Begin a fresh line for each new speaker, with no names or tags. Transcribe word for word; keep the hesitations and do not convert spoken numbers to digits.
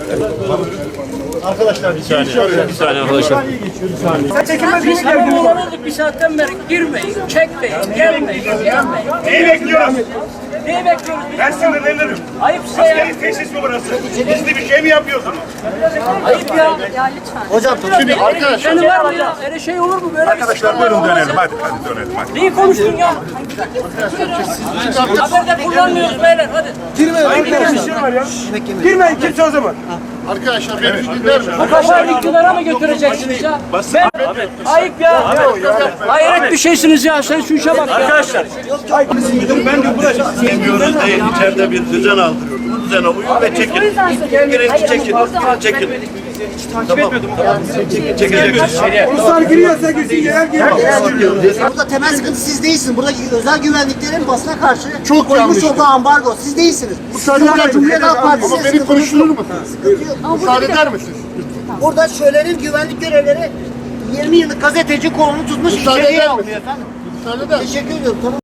Arkadaşlar bir saniye.
Bir saniye arkadaşlar.
Biz tamam olalım bir saatten beri girmeyin, çekmeyin, gelmeyin, gelmeyin.
Neyi bekliyoruz?
Neyi bekliyoruz biz?
Ben sinirlenirim.
Ayıp size ya.
Askeri tesis mi burası? Gizli bir şey mi yapıyorsunuz?
Ayıp ya.
Hocam şimdi arkadaşlar.
Senin var mı ya? Öyle şey olur mu? Böyle
Arkadaşlar buyurun dönelim hadi hadi dönelim hadi.
Neyi konuştun ya? Haberde kullanmıyoruz beyler hadi.
Girmeyin kimse o zaman.
Arkadaşlar beni bir dinler mi?
Bu kafayı iktidara mı götüreceksiniz ya? Ben, ayıp ya. Hayret bir şeysiniz ya. Sen şu işe bak ya.
Arkadaşlar. Ben de buraya istemiyoruz değil. İçeride bir düzen aldırıyoruz. Bu düzene uyun ve çekin. Gerekli çekin. Çekin. Tamam. Çekeceksiniz.
Ruslar giriyorsa girsin gelen giriyor.
Burada temel sıkıntı siz değilsiniz. Burada özel güvenliklerin basına karşı
Çok
koymuş
yanlış.
olduğu ambargo. Siz değilsiniz. Burada Cumhuriyet Halk Partisi.
Ama beni konuşturur musunuz?
Sıkıntı yok. Ama
Müsaade
burada,
eder misiniz?
burada şölenin güvenlik görevleri yirmi yıllık gazeteci kolunu tutmuş
Müsaade
içeriye
eder
almıyor
misiniz?
efendim.
Müsaade eder misiniz?
Teşekkür ediyorum. Tamam.